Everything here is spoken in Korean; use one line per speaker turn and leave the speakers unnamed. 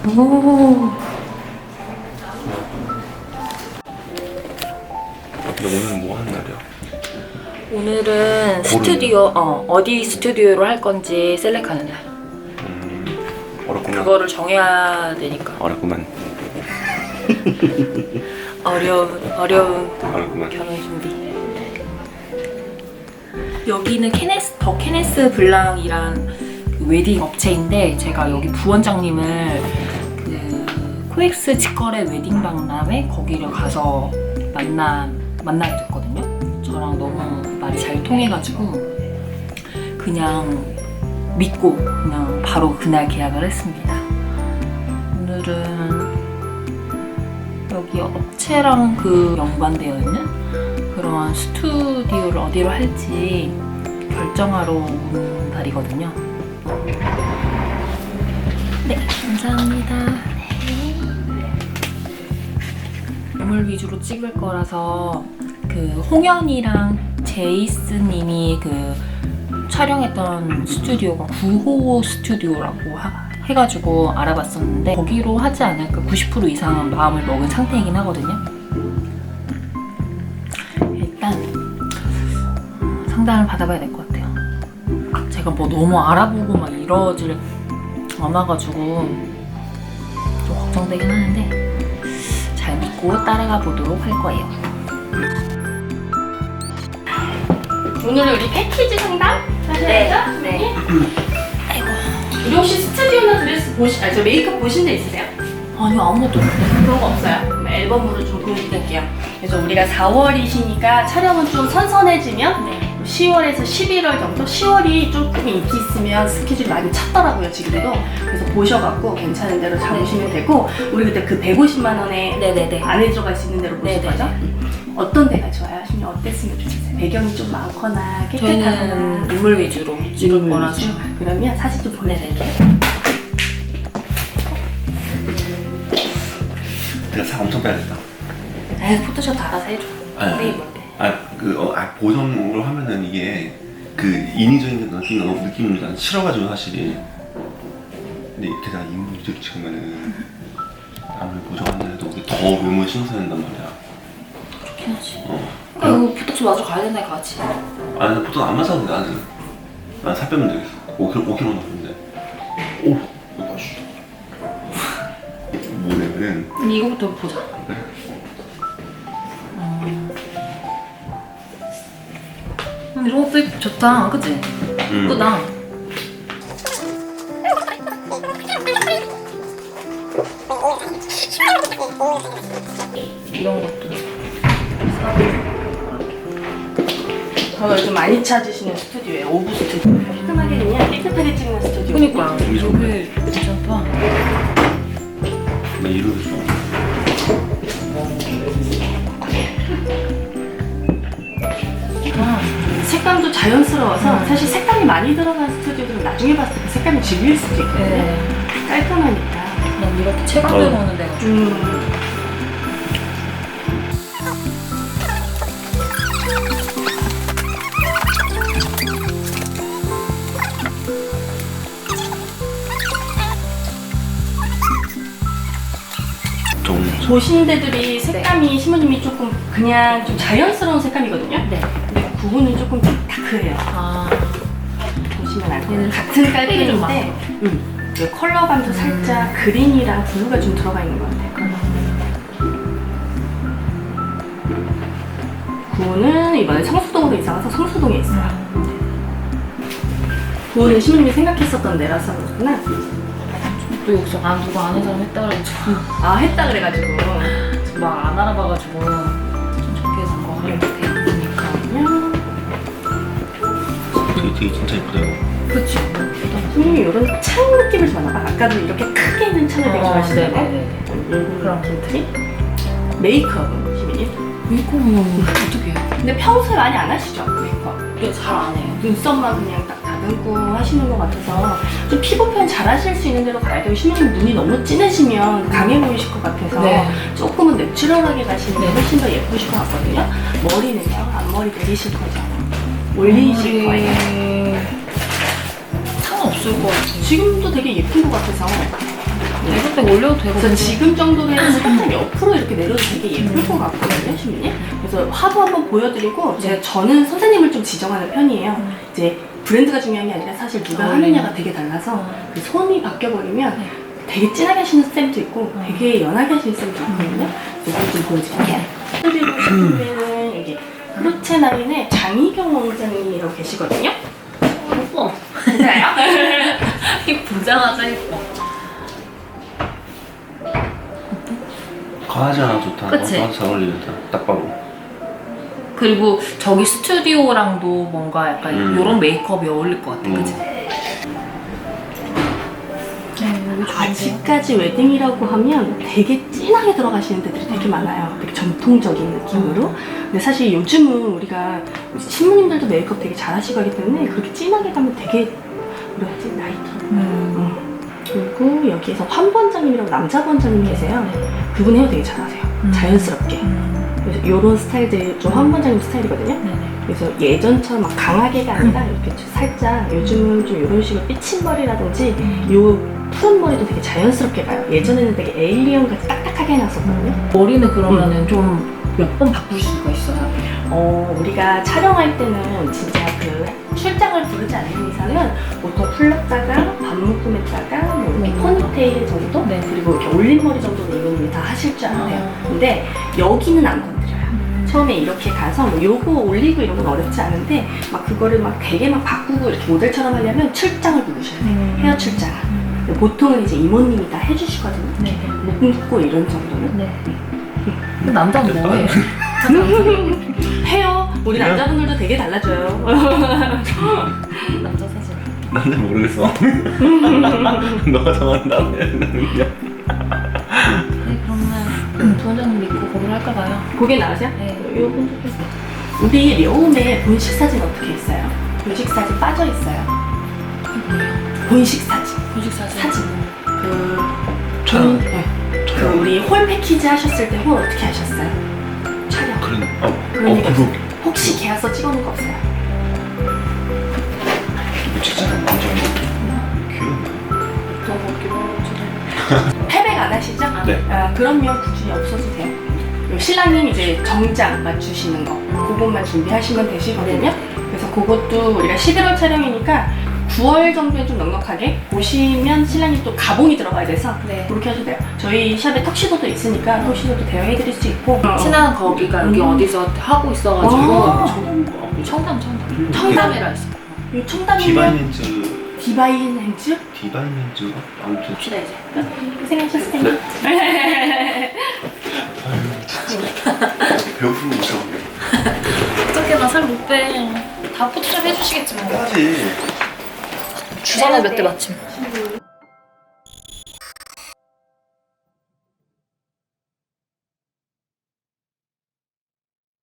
오.
근데 오늘 뭐 하는 날이야?
오늘은 스튜디오, 어디 스튜디오로 할 건지 셀렉하는 날.
어렵구나.
그거를 정해야 되니까.
어렵구만.
어려운 결혼 준비. 여기는 더 케네스 블랑이란 웨딩 업체인데, 제가 여기 부원장님을 그 코엑스 직거래 웨딩 박람회 거기를 가서 만나게 됐거든요. 저랑 너무 말이 잘 통해가지고 그냥 믿고 그냥 바로 그날 계약을 했습니다. 오늘은 여기 업체랑 그 연관되어 있는 그런 스튜디오를 어디로 할지 결정하러 온 날이거든요. 네, 감사합니다. 인물 위주로 찍을 거라서 그 홍현이랑 제이스님이 그 촬영했던 스튜디오가 9호 스튜디오라고 해가지고 알아봤었는데 거기로 하지 않을까 90% 이상은 마음을 먹은 상태이긴 하거든요. 일단 상담을 받아봐야 될 것 같아요. 제가 뭐 너무 알아보고 막 이러질 않아가지고 좀 걱정되긴 하는데 잘 믿고 따라가 보도록 할 거예요.
오늘 우리 패키지 상담 하셔야죠?
네. 아이고.
우리 혹시 스튜디오나 드레스 저 메이크업 보신 데 있으세요?
아니요, 아무것도 없어요.
그런 거 없어요? 그럼 앨범으로 좀 보여드릴게요. 그래서 우리가 4월이시니까 촬영은 좀 선선해지면 10월에서 11월 정도? 10월이 조금 인기 있으면 스케줄이 많이 찼더라고요, 지금도. 그래서 보셔갖고 괜찮은 대로 잡으시면 되고, 우리 그때 그 150만 원에
네네네.
안에 들어갈 수 있는 대로 보실 거죠? 어떤 데가 좋아요? 하시면 어땠으면 좋겠어요? 배경이 좀 많거나 깨끗하거나.
저희는 인물 위주로 찍을 거라서.
그러면 사진 좀 보내드릴게요.
내가 살 엄청 빼야겠다.
에이, 포토샵 다 알아서 해줘. 네이버인데.
보정으로 하면은 이게 그 인위적인 느낌이 난 싫어가지고 사실. 근데 게다가 인물 위주로 찍으면은 아무리 보정한다 해도 더 외모에 신경 써야 된단 말이야.
그렇긴 하지. 그러니까 이거 포토샵 마저 가야 된다, 같이.
아니, 나 보통 안 맞아도 돼, 나는. 난 살 빼면 되겠어. 5kg 넘는데. 오! 이거 뭐냐면은.
이거부터 보자.
그래?
이런 것도 좋다, 그치? 예쁘다. 이런 것도.
저는 요즘 많이 찾으시는 스튜디오예요. 오브 스튜디오. 깔끔하게 그냥 깨끗하게 찍는 스튜디오.
그니까.
여기 좋네.
여기 괜찮다.
나 이러고 있어.
색감도 자연스러워서 사실 색감이 많이 들어간 스튜디오들은 나중에 봤을 때 그 색감이 질릴 수도 있거든요.
네.
깔끔하니까.
그냥 이렇게 체감되고 오는 데가 좀.
보시는 데들이 색감이 신부님이 조금 그냥 좀 자연스러운 색감이거든요.
네.
근데 그분은 조금 다크해요.
아.
보시면 알 거예요. 같은 깔끔인데 컬러감도 살짝 그린이랑 블루가 좀 들어가 있는 것 같아요. 구호는 이번에 성수동으로 이사 가서 성수동에 있어요. 구호는 신부님이 생각했었던 데라서 그렇구나.
또 여기서 누가 아는 사람 했다 그래가지고.
아, 했다 그래가지고.
막 안 알아봐가지고 좀 적게 산 거 같아요.
그러니까요.
되게 진짜 예쁘다, 이거.
그치?
신부님이 이런 창 느낌을 좋아하나 봐. 아까도 이렇게 크게 있는 창을 되게 좋아하시는 거. 그런 틴트리. 메이크업은 신부님?
메이크업은 어떻게 해요?
근데 평소에 많이 안 하시죠? 메이크업.
네, 잘 안 해요.
눈썹만 그냥 딱 다듬고 하시는 것 같아서 좀 피부 표현 잘 하실 수 있는 대로 가야 돼요. 신부님 눈이 너무 진해지면 강해 보이실 것 같아서
네.
조금은 내추럴하게 가시는 게 훨씬 더 예쁘실 것 같거든요. 머리는요? 앞머리 내리실 거죠? 올리실 거예요?
상관없을 것 같아요.
지금도 되게 예쁜 것 같아서
에어백 올려도 되고.
그래서 지금 정도로 해서 살짝 옆으로 이렇게 내려도 되게 예쁠 것 같거든요, 시민님. 그래서 화보 한번 보여드리고 저는 선생님을 좀 지정하는 편이에요. 이제 브랜드가 중요한 게 아니라 사실 누가 하느냐가 되게 달라서 그 손이 바뀌어버리면 되게 진하게 하시는 쌤도 있고 되게 연하게 하시는 쌤도 있거든요. 그래서 이거 좀 보여드릴게요. 그리고 제품에는 여기 프루체나인의 장희경 원장님이라고 계시거든요.
예뻐.
맞아요?
이 보자마자 예뻐.
강아지 하나 좋다.
그치?
강아지 잘 어울리겠다. 딱 봐도.
그리고 저기 스튜디오랑도 뭔가 약간 요런 메이크업이 어울릴 것 같아. 그치?
아직까지 웨딩이라고 하면 되게 진하게 들어가시는 데들이 되게 많아요. 되게 전통적인 느낌으로. 근데 사실 요즘은 우리가 신부님들도 메이크업 되게 잘하시고 하기 때문에 그렇게 진하게 가면 되게 뭐라 해야지? 나이처럼. 그리고 여기에서 환 번장님이라고 남자 번장님이 계세요. 그분 헤어 되게 잘하세요. 자연스럽게. 그래서 이런 스타일들 좀 환 번장님 스타일이거든요. 그래서 예전처럼 막 강하게가 아니라 이렇게 좀 살짝 요즘은 좀 이런 식으로 삐친머리라든지 요 푸른 머리도 되게 자연스럽게 가요. 예전에는 되게 에일리언 같이 딱딱하게 해놨었거든요.
머리는 그러면은 좀 몇 번 바꿀 수가 있어요?
우리가 촬영할 때는 진짜 그 출장을 부르지 않는 이상은 보통 풀렀다가 반묶음했다가 뭐 이렇게 포니테일 정도? 그리고 이렇게 올린 머리 정도는 이분이 다 하실 줄 알아요. 근데 여기는 안 건드려요. 처음에 이렇게 가서 뭐 요거 올리고 이런 건 어렵지 않은데 막 그거를 막 되게 막 바꾸고 이렇게 모델처럼 하려면 출장을 부르셔야 돼요. 헤어 출장. 보통은 이제 이모님이 다 해주시거든요. 묶고 이런 정도는.
남자는 뭐해?
해요. 우리 남자분들도 되게 달라져요.
남자 사진.
난 잘 모르겠어. 너가 정한다면 나는 그냥.
네, 그러면 부원장님 믿고 거기로 할까 봐요.
그게 나으세요?
네.
요건 우리 려움에 본식 사진 어떻게 있어요? 본식 사진 빠져 있어요. 본식 사진.
분식 사진.
촬영.
그 우리 홀 패키지 하셨을 때 홀 어떻게 하셨어요? 촬영.
그러니까.
그거 혹시 계약서 찍어놓은 거 없어요?
이거 진짜 완전 귀엽네.
패백 안 하시죠?
네.
그러면 굳이 없어도 돼요. 요 신랑님 이제 정장 맞추시는 거 그것만 준비하시면 되시거든요. 그래서 그것도 우리가 11월 촬영이니까 9월 정도에 좀 넉넉하게 보시면 신랑님 또 가봉이 들어가야 돼서 그렇게 하셔도 돼요. 저희 샵에 턱시도도 있으니까 턱시도도 대여해드릴 수 있고
친한 거기가 여기 어디서 하고 있어가지고
청담.
청담이라 있어.
이 청담이면
디바이멘즈.
디바인 행즈?
디바이멘즈가 아무튼.
봅시다 이제.
고생하셨어요.
배고픈 거 무서워.
어떻게 나 살 못 빼. 다 포토샵 해주시겠지 뭐.
까지.
주사는 몇 대 맞춤.
친구